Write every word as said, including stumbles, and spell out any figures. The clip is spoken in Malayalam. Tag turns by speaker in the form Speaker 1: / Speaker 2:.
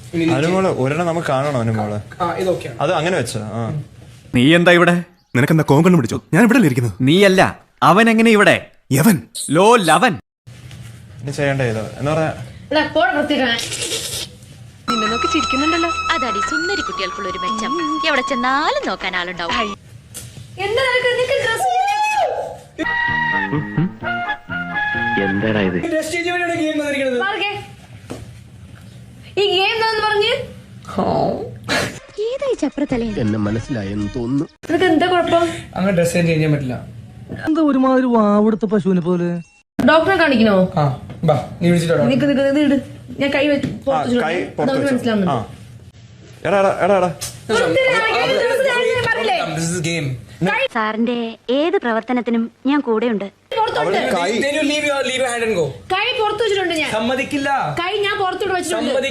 Speaker 1: അനുമോള് ഒരെണ്ണം നമുക്ക് കാണണോ അനുമോള്? അത് അങ്ങനെ വെച്ചാ.
Speaker 2: നീ എന്താ ഇവിടെ?
Speaker 3: നിനക്കെന്താ കോങ്കണ്ണ് പിടിച്ചോ? ഞാൻ ഇവിടെ ഇരിക്കുന്നു.
Speaker 2: നീയല്ല, അവൻ എങ്ങനെ ഇവിടെ?
Speaker 3: യവൻ
Speaker 2: ലോ ലവൻ.
Speaker 1: ഇനി ചെയ്യണ്ടേ ഇത് എന്ന് പറയാ.
Speaker 4: നിന്നെ നോക്കി ചിരിക്കുന്നുണ്ടല്ലോ.
Speaker 5: അതാടി സുന്ദരി കുട്ടികൾക്കുള്ള ഒരു മെച്ചം. എവിടെ ചെന്നാലും നോക്കാൻ ആളുണ്ടാവും.
Speaker 6: എന്താടാ ഇത്?
Speaker 4: ഈ ഗെയിം എന്താന്ന് പറഞ്ഞ്
Speaker 5: ഏതായി ചപ്രത്തലേ?
Speaker 6: എന്നെ മനസ്സിലായെന്ന് തോന്നുന്നു.
Speaker 4: നിനക്ക് എന്താ കുഴപ്പം?
Speaker 7: അങ്ങനെ ഡ്രസ് ചേഞ്ച് ചെയ്യാൻ പറ്റില്ല.
Speaker 8: എന്താ ഒരുമാതിരി വാവെടുത്ത പശുവിനെ പോലെ.
Speaker 4: ഡോക്ടറെ കാണിക്കണോ?
Speaker 7: ആ ബാ, നീ വിളിച്ചിട്ടോ.
Speaker 4: നിക്ക് നിക്ക് ഇത് ഇട്. ഞാൻ കൈ വെച്ച്
Speaker 1: കൈ പുറത്ത് വെച്ചോ.
Speaker 4: മനസ്സിലാവുന്നു.
Speaker 1: എടാ എടാ എടാ എടാ
Speaker 7: This is a game.
Speaker 5: സാറിന്റെ ഏത് പ്രവർത്തനത്തിനും ഞാൻ കൂടെയുണ്ട്.
Speaker 7: Then you leave your leave your hand and go.
Speaker 4: കൈ പുറത്ത് വെച്ചിട്ടുണ്ട് ഞാൻ.
Speaker 7: സമ്മതിക്കില്ല.
Speaker 4: കൈ ഞാൻ പുറത്തോട്ട് വെച്ചിട്ടുണ്ട്.